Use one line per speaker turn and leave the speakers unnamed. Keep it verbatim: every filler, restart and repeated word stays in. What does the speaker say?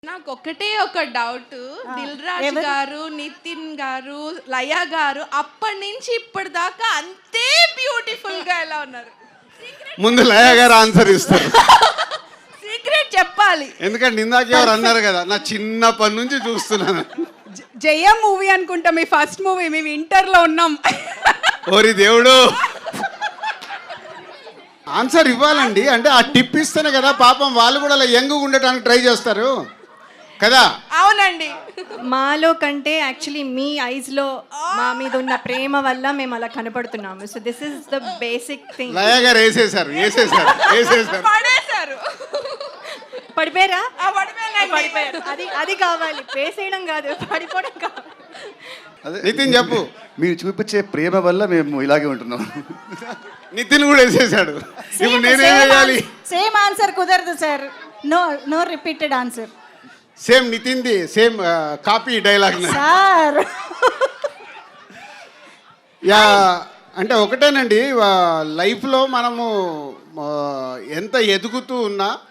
నాకు ఒకటే ఒక డౌట్, దిల్ రాజు గారు, నితిన్ గారు, లయ గారు అప్పటి నుంచి ఇప్పటిదాకా అంతే బ్యూటిఫుల్ గా ఎలా ఉన్నారు?
ముందు లయ గారు ఆన్సర్ ఇస్తారు.
సీక్రెట్ చెప్పాలి.
ఎందుకంటే ఇందాక ఎవరు అన్నారు కదా, నా చిన్నప్పటి నుంచి చూస్తున్నాను.
జయ మూవీ అనుకుంటా మీ ఫస్ట్ మూవీ, మేము ఇంటర్ లో ఉన్నాం.
ఓరి దేవుడు, ఆన్సర్ ఇవ్వాలండి. అంటే ఆ టిప్ ఇస్తేనే కదా పాపం వాళ్ళు కూడా అలా యంగ్ ఉండటానికి ట్రై చేస్తారు కదా.
అవునండి.
మాలో కంటే యాక్చువల్లీ మీ ఐస్లో మా మీద ఉన్న ప్రేమ వల్ల మేము అలా కనపడుతున్నాము. So this is the basic thing.
Laya garu వేసేసారు వేసేసారు వేసేసారు
పడేశారు.
పడిపోయారా?
ఆ, పడిపోయానండి.
పడిపోయారు. అది అది కావాలి, వేసేయడం కాదు, పడిపోవడం కావాలి.
నితిన్ చెప్పు.
మీరు చూపించే ప్రేమ వల్ల మేము ఇలాగే ఉంటున్నాం.
నితిన్ కూడా వేసేసాడు. ఇప్పుడు నేనేం వేయాలి?
సేమ్ ఆన్సర్ కుదరదు sir. No no repeated answer.
Same నితిన్ది same copy dialogue
sir
yeah. అంటే ఒకటేనండి, లైఫ్లో మనము ఆ, ఎంత ఎదుగుతూ ఉన్నా